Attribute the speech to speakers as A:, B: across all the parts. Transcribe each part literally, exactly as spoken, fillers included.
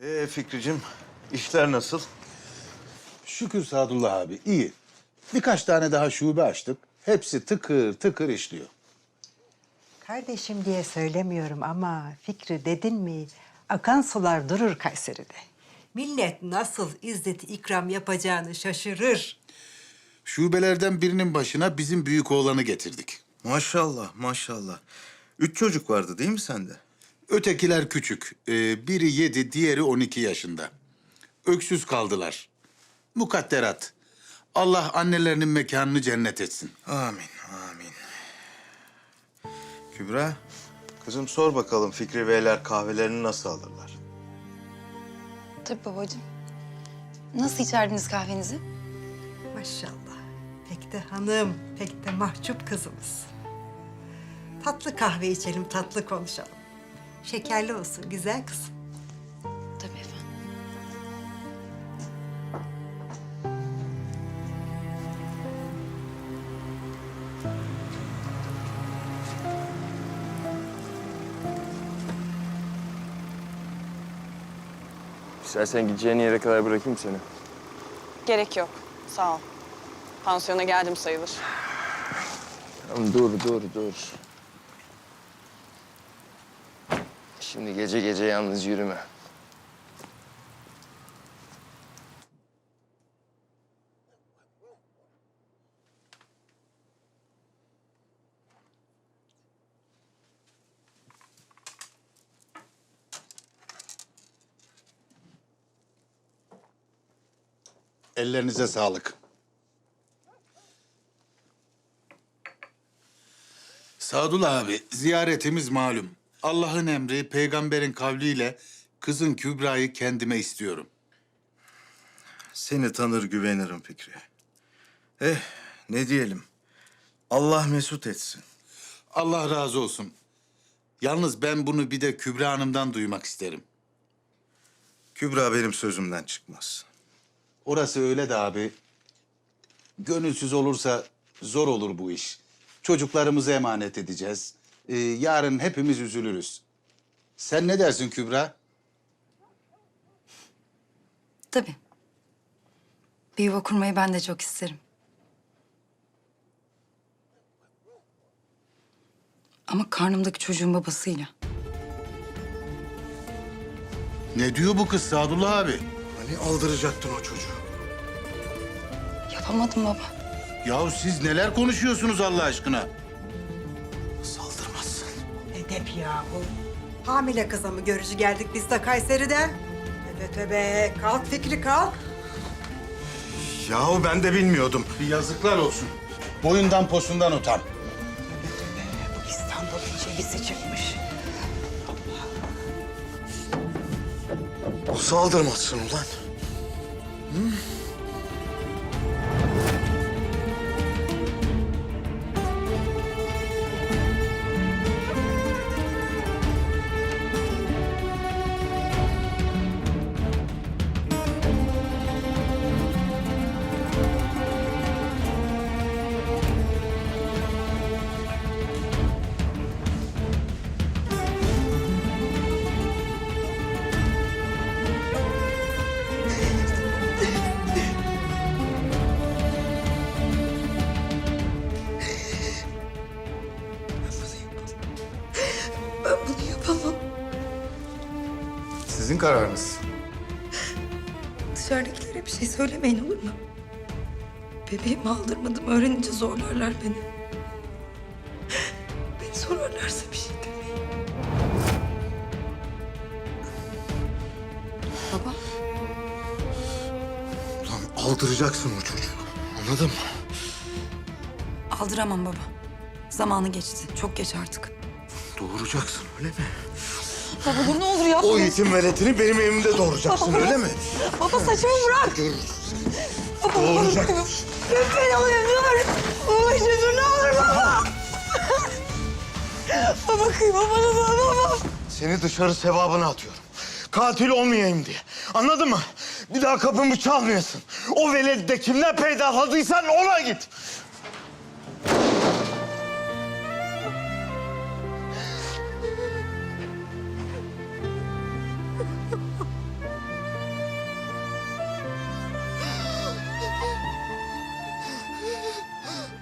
A: Ee Fikricim, işler nasıl?
B: Şükür Sadullah abi, iyi. Birkaç tane daha şube açtık. Hepsi tıkır tıkır işliyor.
C: Kardeşim diye söylemiyorum ama Fikri dedin mi akan sular durur Kayseri'de. Millet nasıl izzeti ikram yapacağını şaşırır.
B: Şubelerden birinin başına bizim büyük oğlanı getirdik.
A: Maşallah, maşallah. Üç çocuk vardı değil mi sende?
B: Ötekiler küçük. Ee, biri yedi, diğeri on iki yaşında. Öksüz kaldılar. Mukadderat. Allah annelerinin mekanını cennet etsin.
A: Amin, amin. Kübra, kızım sor bakalım Fikri Beyler kahvelerini nasıl alırlar?
D: Tabii babacığım. Nasıl içerdiniz kahvenizi?
C: Maşallah. Pek de hanım, pek de mahcup kızımız. Tatlı kahve içelim, tatlı konuşalım. Şekerli olsun güzel kızım.
D: Tabii efendim.
E: İstersen gideceğin yere kadar bırakayım seni.
F: Gerek yok. Sağ ol. Pansiyona geldim sayılır.
E: Tamam, dur, dur, dur. Şimdi gece gece yalnız yürüme.
B: Ellerinize sağlık. Sadullah abi, ziyaretimiz malum. Allah'ın emri, peygamberin kavliyle kızın Kübra'yı kendime istiyorum.
A: Seni tanır güvenirim Fikri. Eh, ne diyelim? Allah mesut etsin.
B: Allah razı olsun. Yalnız ben bunu bir de Kübra Hanım'dan duymak isterim.
A: Kübra benim sözümden çıkmaz.
B: Orası öyle de abi. Gönülsüz olursa zor olur bu iş. Çocuklarımızı emanet edeceğiz. Ee, yarın hepimiz üzülürüz. Sen ne dersin Kübra?
D: Tabii. Bir yuva kurmayı ben de çok isterim. Ama karnımdaki çocuğun babasıyla.
B: Ne diyor bu kız Sadullah abi?
A: Hani aldıracaktın o çocuğu?
D: Yapamadım baba.
B: Yahu siz neler konuşuyorsunuz Allah aşkına?
A: Saldırmazsın.
C: Edep yahu. Hamile kıza mı görücü geldik biz de Kayseri'den? Tövbe tövbe. Kalk Fikri kalk.
A: Yahu ben de bilmiyordum.
B: Bir yazıklar olsun. Boyundan posundan utan.
C: Bu İstanbul'un çivisi çıkmış.
A: O saldırmazsın ulan.
D: Ben bunu yapamam.
A: Sizin kararınız.
D: Dışarıdakilere bir şey söylemeyin olur mu? Bebeğimi aldırmadım. Öğrenince zorlarlar beni. Beni sorarlarsa bir şey demeyin. Baba.
A: Ulan aldıracaksın o çocuğu. Anladın mı?
D: Aldıramam baba. Zamanı geçti. Çok geç artık.
A: Doğuracaksın öyle mi?
D: Baba dur ne olur yapma.
A: O yetim veletini benim evimde doğuracaksın öyle mi?
D: Baba saçımı bırak.
A: Görürsün.
D: Baba
A: Doğuracak.
D: lütfen alayım dur. Baba işte dur ne olur baba. Baba kıyma bana da baba.
A: Seni dışarı sevabına atıyorum. Katil olmayayım diye. Anladın mı? Bir daha kapımı çalmayasın. O veledi de kimden peydahladıysan ona git.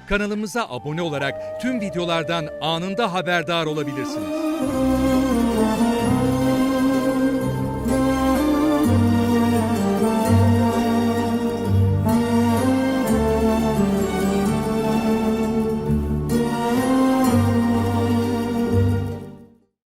G: Kanalımıza abone olarak tüm videolardan anında haberdar olabilirsiniz.